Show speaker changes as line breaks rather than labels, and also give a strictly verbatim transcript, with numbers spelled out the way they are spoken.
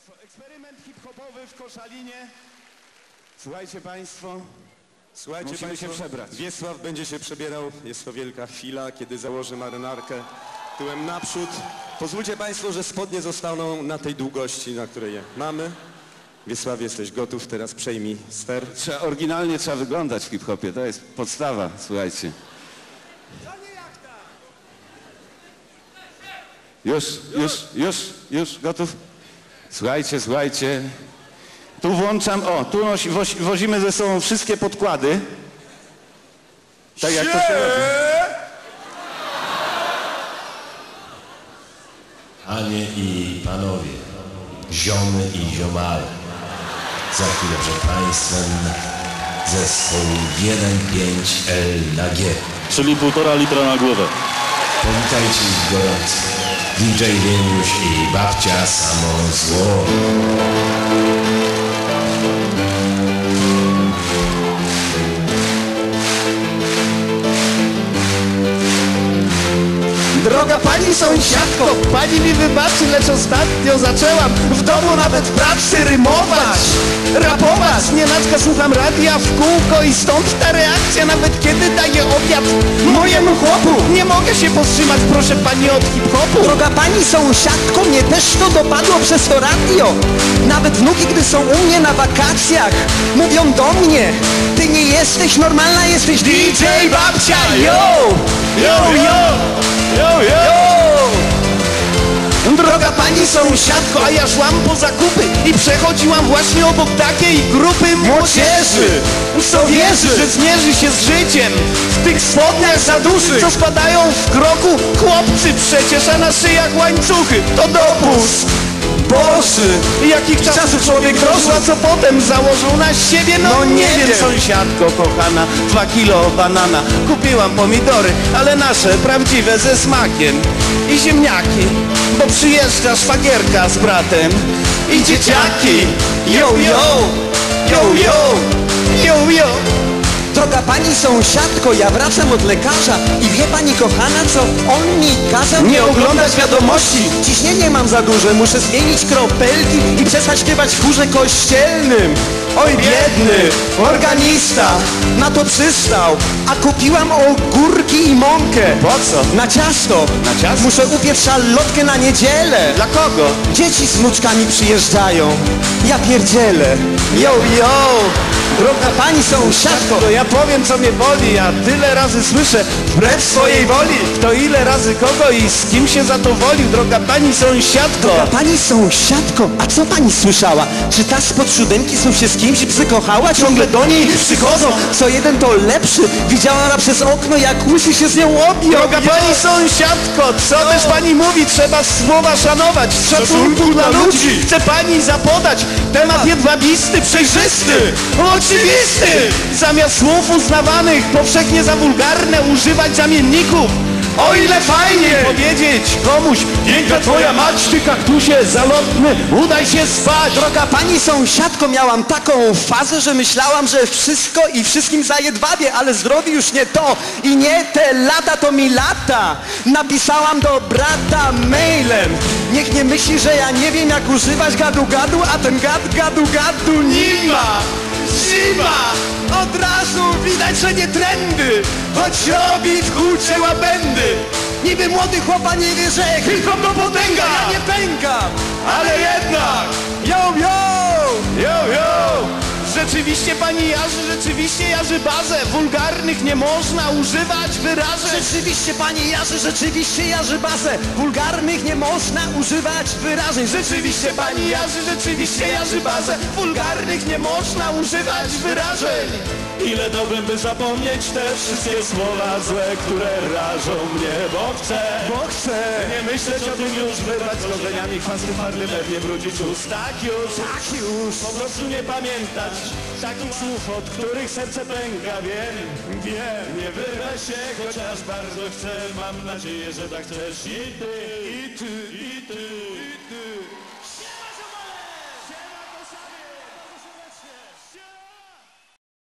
Państwo, eksperyment hip-hopowy w Koszalinie. Słuchajcie Państwo,
Słuchajcie
musimy
państwo,
się przebrać.
Wiesław będzie się przebierał. Jest to wielka chwila, kiedy założy marynarkę tyłem naprzód. Pozwólcie Państwo, że spodnie zostaną na tej długości, na której je mamy. Wiesław, jesteś gotów, teraz przejmij ster.
Trzeba, oryginalnie trzeba wyglądać w hip-hopie, to jest podstawa, słuchajcie. Już, już, już, już, gotów? Słuchajcie, słuchajcie. Tu włączam, o, tu nosi, wozi, wozimy ze sobą wszystkie podkłady. Tak jak to się robi.
Panie i panowie, ziomy i ziomale, za chwilę przed państwem zespół jeden pięć L na G.
Czyli półtora litra na głowę.
Powitajcie ich gorąco. D J Wieniusz i babcia samo zło.
Droga pani sąsiadko, pani mi wybaczy, lecz ostatnio zaczęłam w domu nawet w pracy rymować, rapować. Nienacka słucham radia w kółko i stąd ta reakcja, nawet kiedy daję obiad mojemu chłopu. Nie mogę się powstrzymać, proszę pani, od hip-hopu.
Droga pani sąsiadko, mnie też to dopadło przez to radio. Nawet wnuki, gdy są u mnie na wakacjach, mówią do mnie: ty nie jesteś normalna, jesteś D J babcia, yo! Yo, yo!
Yo, yo! Droga pani sąsiadko, a ja szłam po zakupy i przechodziłam właśnie obok takiej grupy młodzieży, co wierzy, że zmierzy się z życiem w tych spodniach za duszy, co spadają w kroku chłopcy przecież, a na szyjach łańcuchy. To dopust Boży, jakich czasów człowiek dożył, a co potem założył na siebie? No, no nie, nie wiem, sąsiadko kochana, dwa kilo banana. Kupiłam pomidory, ale nasze, prawdziwe, ze smakiem. I ziemniaki, bo przyjeżdża szwagierka z bratem. I dzieciaki, yo, yo, yo, yo, yo, yo.
Droga pani sąsiadko, ja wracam od lekarza i wie pani kochana, co on mi kazał?
Nie oglądać wiadomości.
Ciśnienie mam za duże, muszę zmienić kropelki i przestać śpiewać w chórze kościelnym.
Oj biedny organista
na to przystał, a kupiłam ogórki i mąkę.
Po co?
Na ciasto.
Na ciasto?
Muszę upiec szalotkę na niedzielę.
Dla kogo?
Dzieci z wnuczkami przyjeżdżają. Ja pierdzielę.
Yo, yo!
Droga pani sąsiadko,
to ja powiem, co mnie boli. Ja tyle razy słyszę wbrew swojej woli. Kto ile razy kogo i z kim się zadowolił. Droga pani sąsiadko.
Droga pani sąsiadko, a co pani słyszała? Czy ta spod siódemki są się z kimś przykochała? Ciągle do niej przychodzą, co jeden to lepszy. Widziała ona przez okno, jak łysy się z nią objął.
Droga pani sąsiadko, co też pani mówi? Trzeba słowa szanować, z szacunku dla ludzi. Chce pani zapodać temat jedwabisty, przejrzysty, oczywisty. Zamiast słów uznawanych powszechnie za wulgarne używać zamienników. O ile fajnie powiedzieć komuś: piękna twoja mać, ty kaktusie zalotny, udaj się spać.
Droga pani sąsiadko, miałam taką fazę, że myślałam, że wszystko i wszystkim zajedwabię, ale zdrowie już nie to i nie te lata to mi lata. Napisałam do brata mailem: niech nie myśli, że ja nie wiem, jak używać gadu gadu, a ten gad gadu gadu nie ma.
Zima! Od razu widać, że nie trendy, choć robi w hucie łabędy.
Niby młody chłopa nie wie, że
hip-hop to potęga.
Ja nie pękam,
ale jednak yo, yo, yo, yo. Rzeczywiście pani jarzy, rzeczywiście jarzy bazę. Wulgarnych nie można używać wyrażeń.
Rzeczywiście pani jarzy, rzeczywiście jarzy bazę. Wulgarnych nie można używać wyrażeń.
Rzeczywiście pani jarzy, rzeczywiście jarzy bazę. Wulgarnych nie można używać wyrażeń.
Ile dałbym, by zapomnieć te wszystkie słowa złe, które rażą mnie, bo chcę,
bo chcę
nie myśleć o tym już, wyrwać z korzeniami chwasty parlimet, nie brudzić ust, tak już,
tak już,
po prostu nie pamiętać takich słów, od których serce pęka, wiem, wiem, nie wyrwę się, chociaż bardzo chcę, mam nadzieję, że tak chcesz i ty, i ty, i ty, i ty.